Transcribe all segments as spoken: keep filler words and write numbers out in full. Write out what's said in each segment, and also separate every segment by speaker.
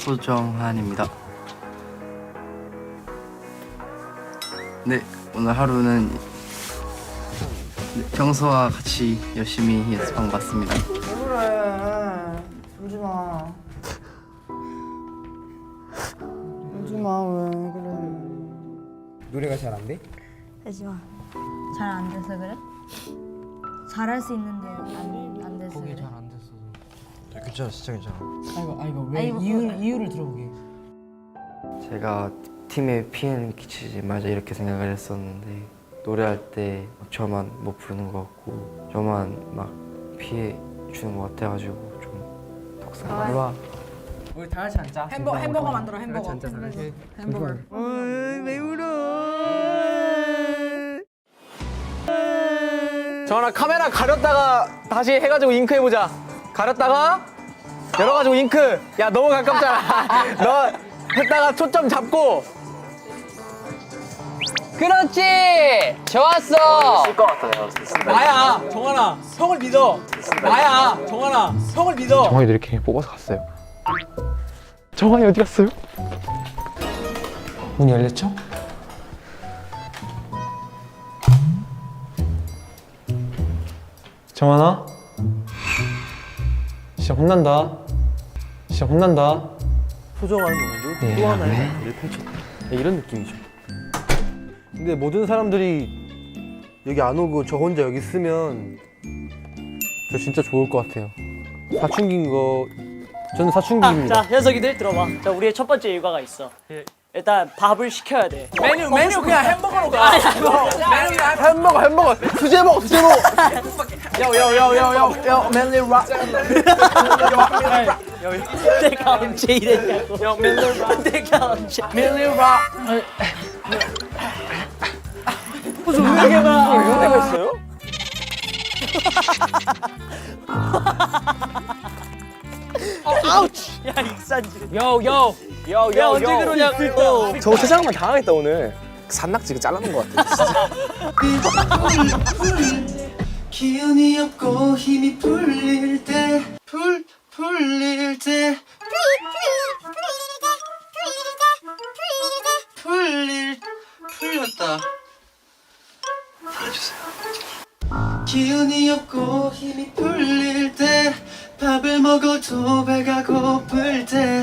Speaker 1: 소정한입니다. 네, 오늘 하루는 평소와 같이 열심히 연습한 것 같습니다.
Speaker 2: 왜 그래? 울지마. 울지마, 왜 그래?
Speaker 3: 노래가 잘 안 돼?
Speaker 4: 하지마. 잘 안 돼서 그래? 잘할 수 있는데 안, 안 돼서 그래?
Speaker 3: 안 됐어.
Speaker 1: 괜찮아, 진짜 괜찮아.
Speaker 3: 아이고 아이고 왜
Speaker 4: 아이고,
Speaker 3: 이유
Speaker 4: 그래.
Speaker 3: 이유를 들어보게.
Speaker 5: 제가 팀에 피해는 끼치지 말자 이렇게 생각을 했었는데 노래할 때 저만 못 부르는 것 같고 저만 막 피해 주는 것 같아가지고 좀 속상해.
Speaker 3: 와. 우리 다 같이 앉자. 햄버거 햄버거 만들어 햄버거.
Speaker 2: 앉자, 다 같이.
Speaker 3: 햄버거.
Speaker 2: 왜 울어?
Speaker 6: 정한아 카메라 가렸다가 다시 해가지고 잉크 해보자. 가렸다가 열어가지고 잉크. 야 너무 가깝잖아. 너 했다가 초점 잡고. 그렇지. 좋았어.
Speaker 1: 쓸 것 같아요.
Speaker 6: 나야 정한아 형을 믿어. 나야 정한아 형을 믿어.
Speaker 5: 정환이도 이렇게 뽑아서 갔어요. 정환이 어디 갔어요?
Speaker 3: 문이 열렸죠?
Speaker 7: 정한아? 진짜 혼난다. 진짜 혼난다.
Speaker 1: 소정한 오늘도 또 하나의 무대를 펼쳤다. 이런 느낌이죠.
Speaker 8: 근데 모든 사람들이 여기 안 오고 저 혼자 여기 있으면 저 진짜 좋을 것 같아요. 사춘기인 거 저는 사춘기입니다.
Speaker 9: 자, 녀석이들 들어봐. 자, 우리의 첫 번째 일과가 있어. 일단 밥을 시켜야 돼.
Speaker 6: 메뉴 메뉴 그냥 햄버거로 가. 메뉴 그냥
Speaker 8: 햄버거 햄버거 수제 먹어 수제 먹어.
Speaker 6: 요요요요요 멜리 락.
Speaker 9: 내가 언제 이랬냐고.
Speaker 6: 요 멜리 락.
Speaker 9: 내가 언제.
Speaker 6: 멜리 락.
Speaker 9: 무슨 음악에만.
Speaker 6: 이런 데가 있어요?
Speaker 9: 아우치. 야, 익산지.
Speaker 6: 요요 요요.
Speaker 9: 야, 언제 그러냐고.
Speaker 6: 저 세상만 당하겠다 오늘. 산낙지가 잘라놓은 것 같아. 진짜.
Speaker 1: 기운이 없고 힘이 풀릴 때, 풀 풀릴 때, 풀릴 풀렸다. 풀어주세요. 기운이 없고 힘이 풀릴 때, 밥을 먹어도 배가 고플 때.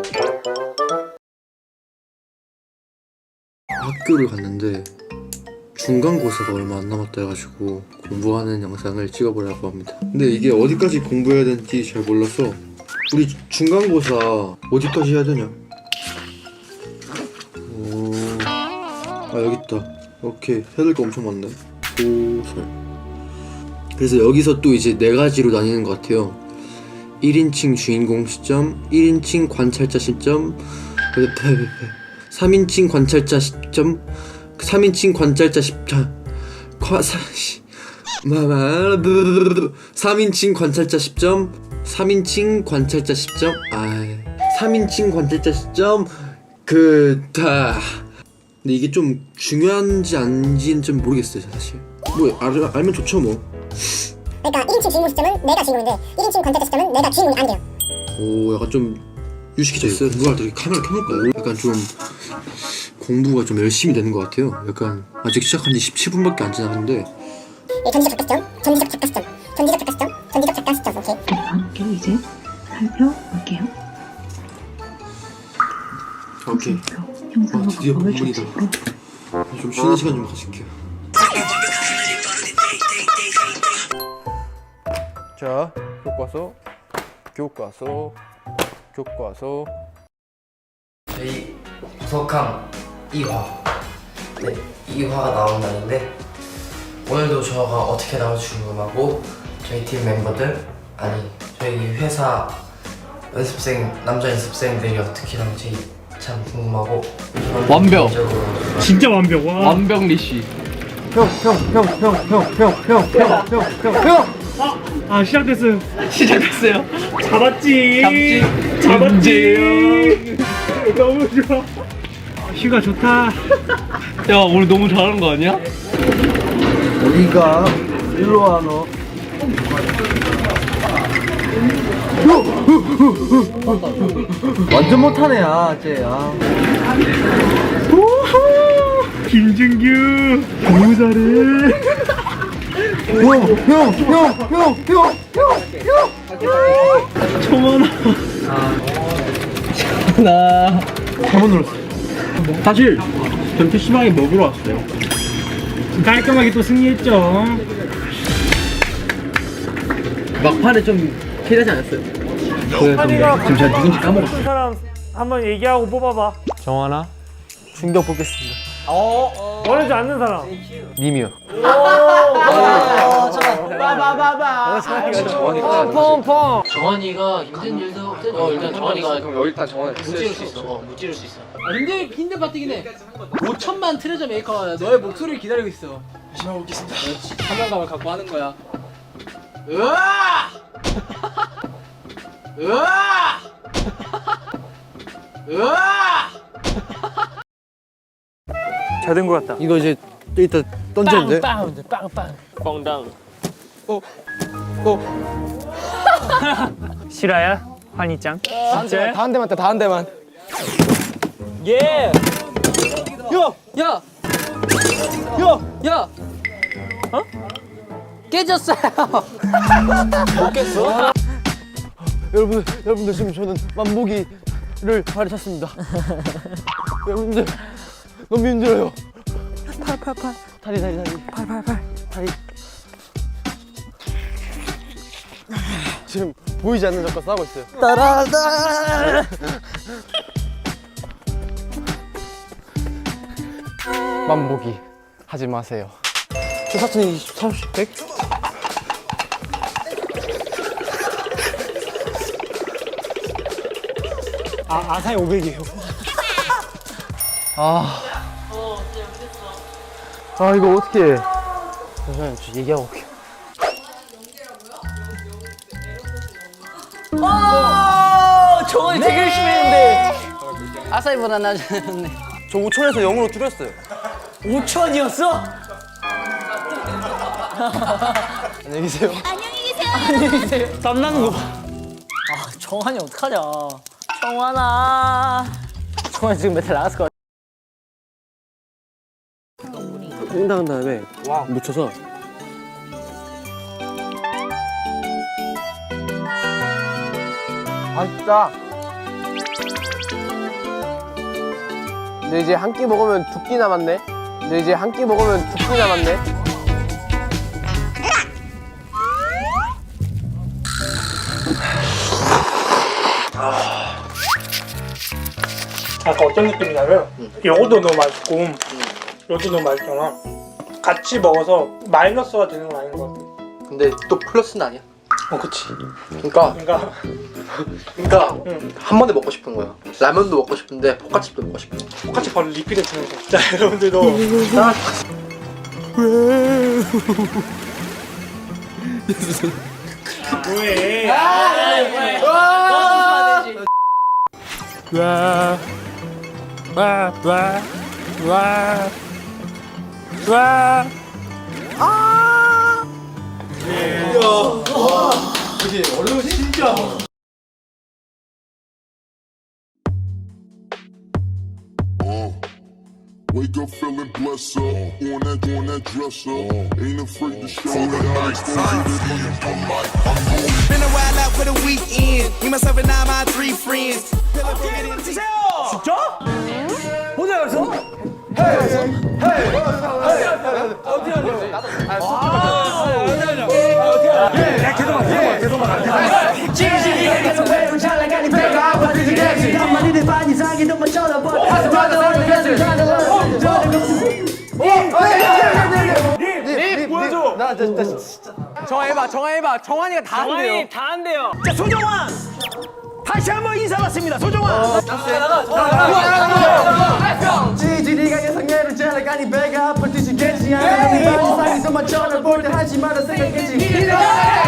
Speaker 1: 학교를 갔는데 중간고사가 얼마 안 남았다 해가지고 공부하는 영상을 찍어보려고 합니다. 근데 이게 어디까지 공부해야 되는지 잘 몰라서 우리 중간고사 어디까지 해야 되냐? 오, 아 여기 있다. 오케이, 해야 될 거 엄청 많네. 고설. 그래서 여기서 또 이제 네 가지로 나뉘는 것 같아요. 일 인칭 주인공 시점, 일 인칭 관찰자 시점, 삼 인칭 관찰자 시점, 삼 인칭 관찰자 시점, 삼 인칭 관찰자 시점, 삼 인칭 관찰자 시점, 아, 삼 인칭 관찰자 시점, 그, 다. 근데 이게 좀 중요한지 아닌지는 좀 모르겠어요, 사실. 뭐, 알, 알면 좋죠, 뭐.
Speaker 10: 그러니까 일 인칭 주인공 시점은 내가 주인공인데 일 인칭 관찰자 시점은 내가 주인공이 아니에요.
Speaker 1: 오, 약간 좀 유식해졌어요. 공부할 때 카메라 켜놓을까요? 약간 좀 공부가 좀 열심히 되는 것 같아요. 약간 아직 시작한 지 십칠 분밖에 안 지났는데.
Speaker 10: 예, 전지적 작가 시점, 전지적 작가 시점, 전지적 작가 시점, 전지적 작가 시점. 오케이.
Speaker 11: 함께 이제 살펴볼게요.
Speaker 1: 오케이.
Speaker 11: 형상과
Speaker 1: 아, 드디어
Speaker 11: 방법을
Speaker 1: 본문이다.
Speaker 11: 중심으로
Speaker 1: 좀 쉬는 시간 좀 가질게요.
Speaker 8: 자, 교과서, 교과서, 교과서.
Speaker 5: 저희 구석항 이 화. 네, 이 화가 나온 날인데 오늘도 저가 어떻게 나올지 궁금하고 저희 팀 멤버들 아니 저희 회사 연습생 남자 연습생들이 어떻게 나올지 참 궁금하고
Speaker 6: 완벽.
Speaker 5: 개인적으로
Speaker 6: 진짜 완벽. 와. 완벽 리시.
Speaker 8: 형, 형, 형, 형, 형, 형, 형, 형, 형, 형, 형.
Speaker 6: 아 시작됐어요. 시작됐어요. 잡았지. 잡지. 잡았지. 너무 좋아. 아, 휴가 좋다. 야 오늘 너무 잘하는 거 아니야?
Speaker 8: 어디가? 일로 와 너. 완전 못하네, 야, 쟤. 야.
Speaker 6: 김준규 너무 잘해.
Speaker 8: 형, 형, 형, 형, 형, 형, 형.
Speaker 6: 청원아. 나
Speaker 8: 잘못 눌렀어.
Speaker 6: 사실 전 피시방에 먹으러 왔어요. 깔끔하게 또 승리했죠.
Speaker 1: 막판에 좀 캐리하지 않았어요? 지금 제가 누군지 까먹었어요.
Speaker 6: 사람 한번 얘기하고 뽑아봐.
Speaker 7: 정환아.
Speaker 8: 충격 뽑겠습니다.
Speaker 6: 원하지 않는 사람.
Speaker 8: 님이요.
Speaker 5: 펑펑. 정환이가 힘든 일도 어 일단 정환이가 그럼 일단 정환이 무찌를 수 있어. 어 무찌를 수 있어.
Speaker 3: 아, 힘들 힘든 파티긴 해. 오천만 트레저 메이커 너의 목소리를 기다리고 있어. 열심히 해보겠습니다. 사명감을 갖고 하는 거야. 으아! 으아! 으아!
Speaker 6: 잘 된 것 같다.
Speaker 8: 이거 이제 이따 던지면 돼?
Speaker 3: 빵! 빵! 빵!
Speaker 9: 꽝당.
Speaker 6: 실화야? 환희짱? 진짜?
Speaker 3: 다 한 대만 다 한 대만.
Speaker 9: 예.
Speaker 3: 야! 야! 야! 어? 깨졌어요. 못 깼어?
Speaker 8: 여러분, 여러분들 지금 저는 만보기를 가르쳤습니다. 여러분들 너무 힘들어요.
Speaker 3: 팔, 팔, 팔.
Speaker 8: 다리, 다리, 다리.
Speaker 3: 팔, 팔, 팔.
Speaker 8: 다리. 지금 보이지 않는 적과 싸우고 있어요.
Speaker 3: 따라다.
Speaker 8: 만보기 하지 마세요. 저 사촌이 삼십, 백?
Speaker 6: 아, 아사히 오백이에요.
Speaker 8: 아. 아, 이거 어떻게 해? 잠시만요, 저 얘기하고 올게요.
Speaker 3: 오! 정원이 되게 열심히 했는데. 아사히보다 나아졌네.
Speaker 8: 저 오천에서 영으로 줄였어요.
Speaker 3: 오천이었어?
Speaker 8: 안녕히 계세요.
Speaker 3: 안녕히 계세요. 땀나는 거 봐. 아, 정환이 어떡하냐. 정환아. 정환이 지금 메탈 나갔을 것 같아.
Speaker 8: 퐁당한 다음에 묻혀서 맛있다. 근데 이제 한 끼 먹으면 두 끼 남았네. 근데 이제 한 끼 먹으면 두 끼 남았네.
Speaker 6: 아까 어떤 느낌이냐면 요것도 너무 맛있고 이것도 너무 맛있잖아. 같이 먹어서 마이너스가 되는 건 아닌 것 같아.
Speaker 1: 근데 또 플러스는 아니야.
Speaker 6: 어, 그치.
Speaker 1: 그러니까
Speaker 6: 그러니까
Speaker 1: 그러니까
Speaker 6: 응.
Speaker 1: 한 번에 먹고 싶은 거야. 라면도 먹고 싶은데 포카칩도 먹고 싶어.
Speaker 6: 똑같이 바로 리필해 주는 거. 자, 여러분들도 나 왜? 와, 와, 와, 와, 와. 아!
Speaker 1: 그치 얼른 진짜.
Speaker 12: Wake up feeling blessed up, on that, on that dresser. Ain't afraid to show that
Speaker 13: Been a while out for the weekend. Me, myself, and all my three friends.
Speaker 6: 진짜? 혼자 갔어?
Speaker 8: 나 진짜 진짜.
Speaker 3: 정해봐, 정해봐. 정환이가 다 한대요.
Speaker 9: 정환이 다 한대요.
Speaker 6: 자, 소정환! 다시 한번 인사 받습니다, 소정환!
Speaker 2: 지지리가 예상해를 잘라가니 배가 아플 듯이 겠지 않아 네 발이 상에서만 쳐다볼 때 하지 마라 생각했지